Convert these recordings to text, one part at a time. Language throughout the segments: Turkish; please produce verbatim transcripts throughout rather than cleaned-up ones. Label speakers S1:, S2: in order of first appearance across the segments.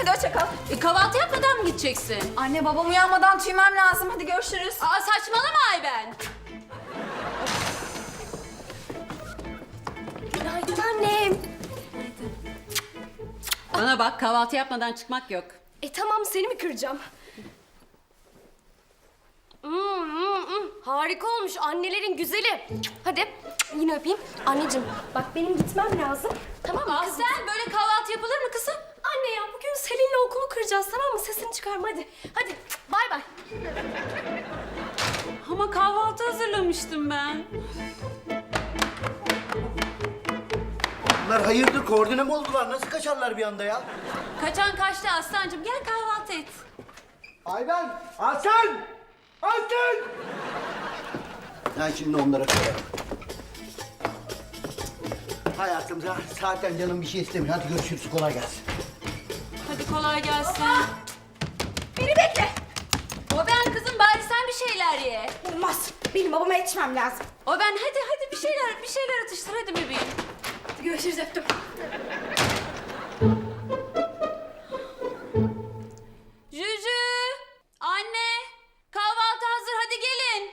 S1: Hadi hoşça kal.
S2: E, kahvaltı yapmadan mı gideceksin?
S1: Anne babam uyanmadan tüymem lazım. Hadi görüşürüz.
S2: Aa, saçmalama Ayben.
S3: Günaydın annem.
S2: Bana bak, kahvaltı yapmadan çıkmak yok.
S3: E tamam, seni mi kıracağım? Hmm, hmm, hmm. Harika olmuş, annelerin güzeli. Hadi yine öpeyim. Anneciğim bak, benim gitmem lazım. Tamam mı kızım?
S2: Sen böyle kahvaltı yapılır mı kızım?
S3: Anne ya, bugün Selin'le okulu kıracağız, tamam mı? Sesini çıkarma hadi. Hadi bay bay.
S2: Ama kahvaltı hazırlamıştım ben.
S4: Bunlar hayırdır, koordine mi oldular? Nasıl kaçarlar bir anda ya?
S2: Kaçan kaçtı Aslancığım. Gel kahvaltı et.
S4: Ayben! Aslan! Aslan! Ben şimdi onlara koyarım. Hayatım za- zaten canım bir şey istemiyor. Hadi görüşürüz, kolay gelsin.
S2: Hadi kolay gelsin.
S1: Beni bekle.
S2: O ben kızım, bari sen bir şeyler ye.
S1: Olmaz. Benim babama yetişmem lazım.
S2: O ben hadi hadi bir şeyler bir şeyler atıştır hadi bebeğim.
S1: Hadi görüşürüz, öptüm.
S2: Cücü, anne, kahvaltı hazır, hadi gelin.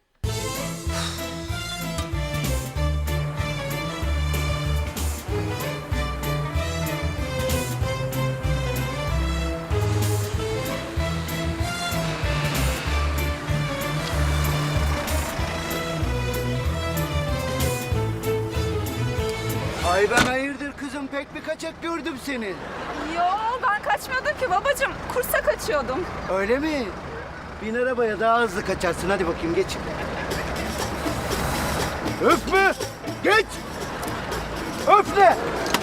S4: Ayben hayırdır kızım? Pek bir kaçak gördüm seni.
S1: Yo, ben kaçmıyordum ki babacığım. Kursa kaçıyordum.
S4: Öyle mi? Bin arabaya daha hızlı kaçarsın. Hadi bakayım geç. Öpme! Geç! Öpme!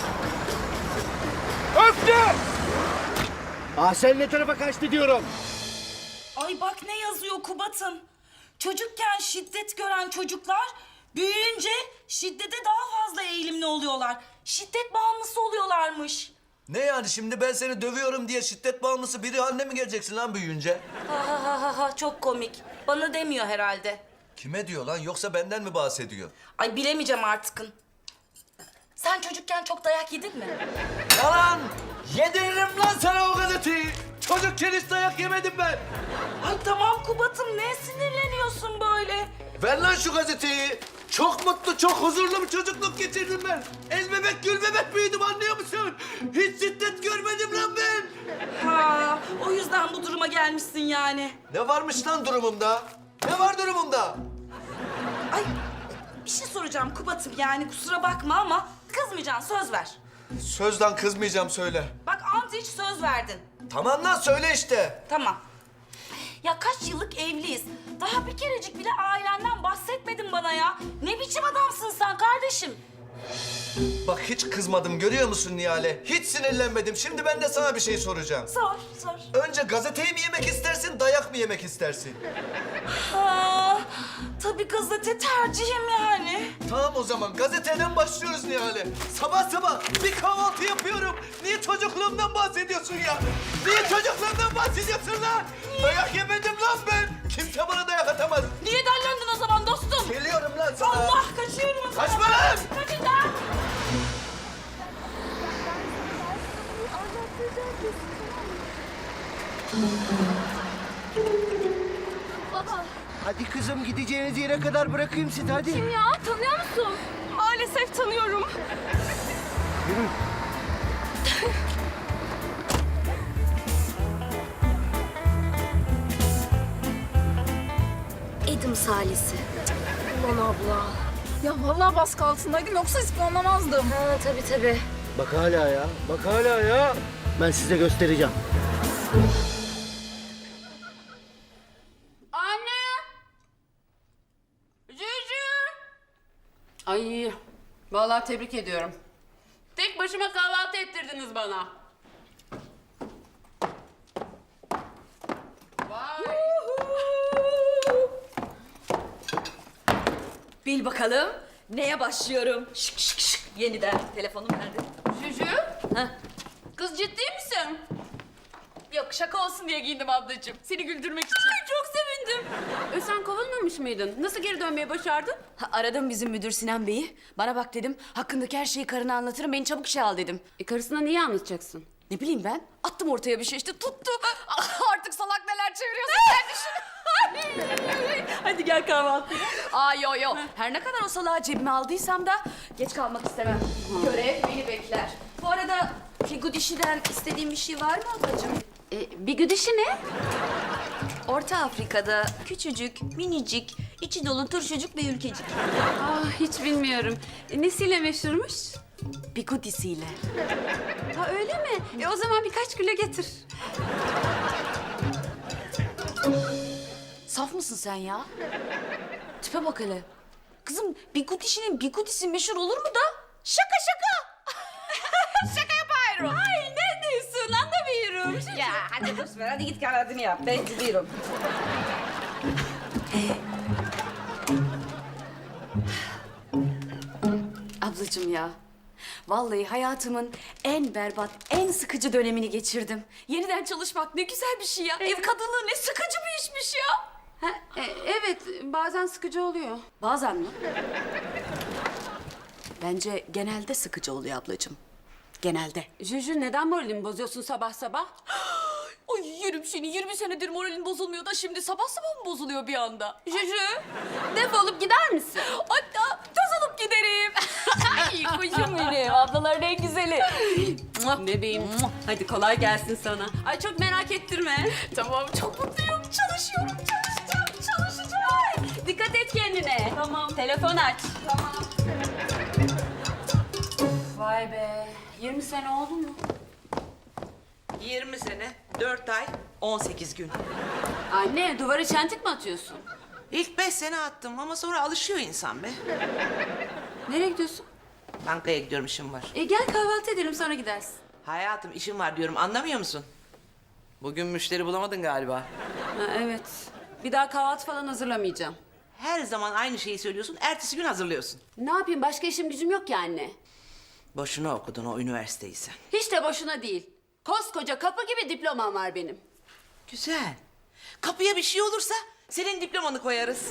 S4: Öpme! Aa, sen ne tarafa kaçtı diyorum.
S5: Ay bak ne yazıyor Kubat'ım. Çocukken şiddet gören çocuklar büyüyünce şiddete daha fazla eğilimli oluyorlar. Şiddet bağımlısı oluyorlarmış.
S6: Ne yani şimdi ben seni dövüyorum diye şiddet bağımlısı biri haline mi geleceksin lan büyüyünce?
S5: Ha ha ha ha ha, çok komik. Bana demiyor herhalde.
S6: Kime diyor lan yoksa benden mi bahsediyor?
S5: Ay bilemeyeceğim artıkın. Sen çocukken çok dayak yedin mi?
S6: Yalan! Yediririm lan sana o gazeteyi! Çocukken hiç dayak yemedim ben!
S5: Ay tamam Kubat'ım, ne sinirleniyorsun böyle?
S6: Ver lan şu gazeteyi! Çok mutlu, çok huzurlu bir çocukluk geçirdim ben. El bebek, gül bebek büyüdüm anlıyor musun? Hiç şiddet görmedim lan ben.
S5: Ha, o yüzden bu duruma gelmişsin yani.
S6: Ne varmış lan durumumda? Ne var durumumda?
S5: Ay bir şey soracağım Kubat'ım, yani kusura bakma ama kızmayacaksın, söz ver.
S6: Sözden kızmayacağım söyle.
S5: Bak ant hiç söz verdin.
S6: Tamam lan söyle işte.
S5: Tamam. Ya kaç yıllık evliyiz. Daha bir kerecik bile ailenden bahsetmedin bana ya. Ne biçim adamsın sen kardeşim?
S6: Bak hiç kızmadım görüyor musun Nihale? Hiç sinirlenmedim. Şimdi ben de sana bir şey soracağım.
S5: Sor, sor.
S6: Önce gazeteyi mi yemek istersin, dayak mı yemek istersin?
S5: Ha, tabii gazete tercihim yani.
S6: Tamam o zaman gazeteden başlıyoruz Nihale. Sabah sabah bir kahvaltı yapıyorum. Niye çocukluğumdan bahsediyorsun ya? Niye çocukluğumdan bahsediyorsun lan? Dayak yemedim lan ben. Kimse bana dayak atamaz.
S5: Niye dellendin o zaman dostum?
S6: Geliyorum lan sana.
S5: Allah, kaçıyorum o zaman.
S6: Kaçma lan!
S5: Kaçın lan!
S4: Hadi kızım gideceğiniz yere kadar bırakayım sizi hadi.
S3: Ya tanıyor musun? Maalesef tanıyorum.
S4: Yürü.
S3: Edim Salisi. Ulan abla.
S1: Ya vallahi baskı altındaydım, yoksa ispiyonlamazdım.
S3: Ha tabii tabii.
S4: Bak hala ya. Bak hala ya. Ben size göstereceğim.
S2: Anne! Cücü! Ay, vallahi tebrik ediyorum. Tek başıma kahvaltı ettirdiniz bana. Vay!
S7: Bil bakalım neye başlıyorum? Şık şık şık yeniden. Telefonum nerede?
S2: Cücü?
S7: Heh.
S2: Kız ciddi misin? Yok, şaka olsun diye giyindim ablacığım. Seni güldürmek için. Ay, çok sevindim. E, sen kovulmamış mıydın? Nasıl geri dönmeyi başardın?
S7: Ha, aradım bizim müdür Sinan Bey'i. Bana bak dedim, hakkındaki her şeyi karına anlatırım, beni çabuk işe al dedim.
S2: E, karısına niye anlatacaksın? Ne bileyim ben, attım ortaya bir şey işte tuttu. Artık salak neler çeviriyorsun sen düşün. Hadi gel kahvaltıya. Aa yo yo, her ne kadar o salağı cebime aldıysam da geç kalmak istemem. Görev beni bekler. Bu arada Figudişi'den istediğin bir şey var mı ablacığım? E, Bigudişi ne?
S7: Orta Afrika'da küçücük, minicik, içi dolu turşucuk bir ülkecik.
S2: Ah hiç bilmiyorum. E, nesiyle meşhurmuş?
S7: Bigudisiyle.
S2: Ha öyle mi? E o zaman birkaç kilo getir.
S7: Saf mısın sen ya? Tipe bak hele. Kızım Bigudişi'nin Bigudisi meşhur olur mu da? Şaka şaka.
S2: Şaka yapıyorum. Ay ne diyorsun anlamıyorum.
S7: Ya hadi boş ver, hadi git kahvaltını yap. Ben gidiyorum.
S2: Ablacığım ya. Vallahi hayatımın en berbat, en sıkıcı dönemini geçirdim. Yeniden çalışmak ne güzel bir şey ya. Ev kadınlığı ne sıkıcı bir işmiş ya. Ha, e, evet, bazen sıkıcı oluyor. Bazen mi? Bence genelde sıkıcı oluyor ablacığım. Genelde. Juju neden moralimi bozuyorsun sabah sabah? Ay yerim seni. yirmi senedir moralin bozulmuyor da şimdi sabah sabah mı bozuluyor bir anda? Juju, defolup gider misin? Hatta toz olup giderim. Ay kuşum benim. Ablaların en güzeli. Bebeğim. Hadi kolay gelsin sana. Ay çok merak ettirme. Tamam çok mutluyum. Çalışıyorum, çalışacağım, çalışacağım. Dikkat et kendine. Tamam. Telefon aç. Tamam. Vay be. yirmi sene oldu mu?
S8: yirmi sene, dört ay, on sekiz gün.
S2: Anne duvara çentik mi atıyorsun?
S8: İlk beş sene attım ama sonra alışıyor insan be.
S2: Nereye gidiyorsun?
S8: Bankaya gidiyorum, işim var.
S2: E gel kahvaltı edelim sonra gidersin.
S8: Hayatım işim var diyorum, anlamıyor musun? Bugün müşteri bulamadın galiba.
S2: Ha, evet. Bir daha kahvaltı falan hazırlamayacağım.
S8: Her zaman aynı şeyi söylüyorsun, ertesi gün hazırlıyorsun.
S2: Ne yapayım başka işim gücüm yok ki anne.
S8: Boşuna okudun o üniversiteyi sen.
S2: Hiç de boşuna değil. Koskoca kapı gibi diplomam var benim.
S8: Güzel. Kapıya bir şey olursa senin diplomanı koyarız.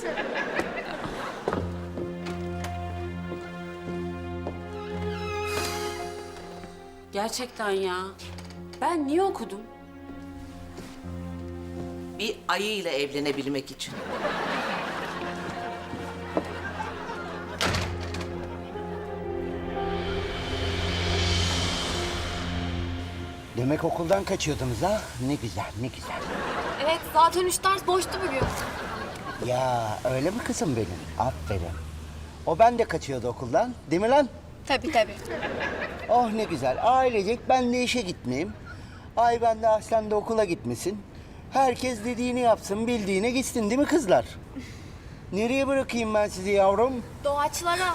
S2: Gerçekten ya. Ben niye okudum?
S8: Bir ayıyla evlenebilmek için.
S4: Demek okuldan kaçıyordunuz ha? Ne güzel, ne güzel.
S3: Evet zaten üç ders boştu bugün.
S4: Ya öyle mi kızım benim? Aferin. O ben de kaçıyordu okuldan, değil mi lan?
S3: Tabii tabii.
S4: Oh ne güzel. Ailecek ben de işe gitmeyeyim. Ay ben de Aslan da okula gitmesin. Herkes dediğini yapsın, bildiğine gitsin değil mi kızlar? Nereye bırakayım ben sizi yavrum?
S3: Doğaçlara.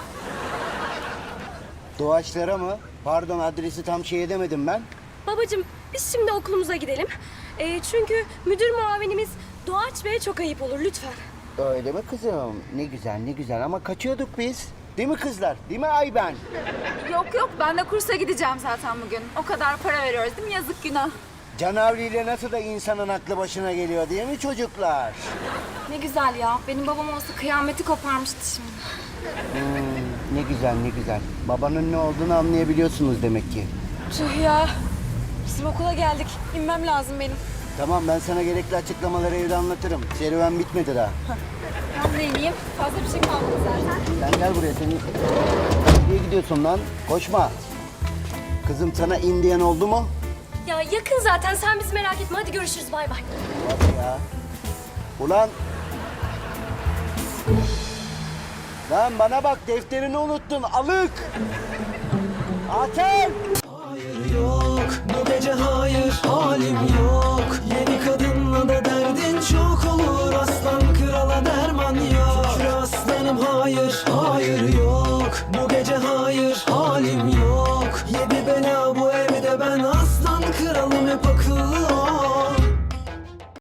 S4: Doğaçlara mı? Pardon adresi tam şey edemedim ben.
S3: Babacığım biz şimdi okulumuza gidelim. Ee, çünkü müdür muavinimiz Doğaç Bey'e çok ayıp olur lütfen.
S4: Öyle mi kızım? Ne güzel ne güzel ama kaçıyorduk biz. Değil mi kızlar? Değil mi Ayben?
S1: Yok yok ben de kursa gideceğim zaten bugün. O kadar para veriyoruz değil mi? Yazık günah.
S4: Canavriyle nasıl da insanın aklı başına geliyor değil mi çocuklar?
S3: Ne güzel ya. Benim babam olsa kıyameti koparmıştı şimdi.
S4: Hmm, ne güzel ne güzel. Babanın ne olduğunu anlayabiliyorsunuz demek ki.
S3: Tüh ya. Bizim okula geldik. İnmem lazım benim.
S4: Tamam ben sana gerekli açıklamaları evde anlatırım. Serüven bitmedi daha.
S3: Ben de ineyim. Fazla bir şey kalmadı zaten.
S4: Sen gel buraya seni. Nereye gidiyorsun lan? Koşma. Kızım sana indiyen oldu mu?
S3: Ya yakın zaten. Sen bizi merak etme. Hadi görüşürüz. Bay bay.
S4: Hadi ya. Ulan. Lan bana bak defterini unuttun alık. Atel.
S9: Hayır yok bu gece hayır halim yok. Yeni kadınla da derdin çok olur. Aslan krala derman yok. Şükür aslanım hayır hayır yok. Bu gece hayır halim yok.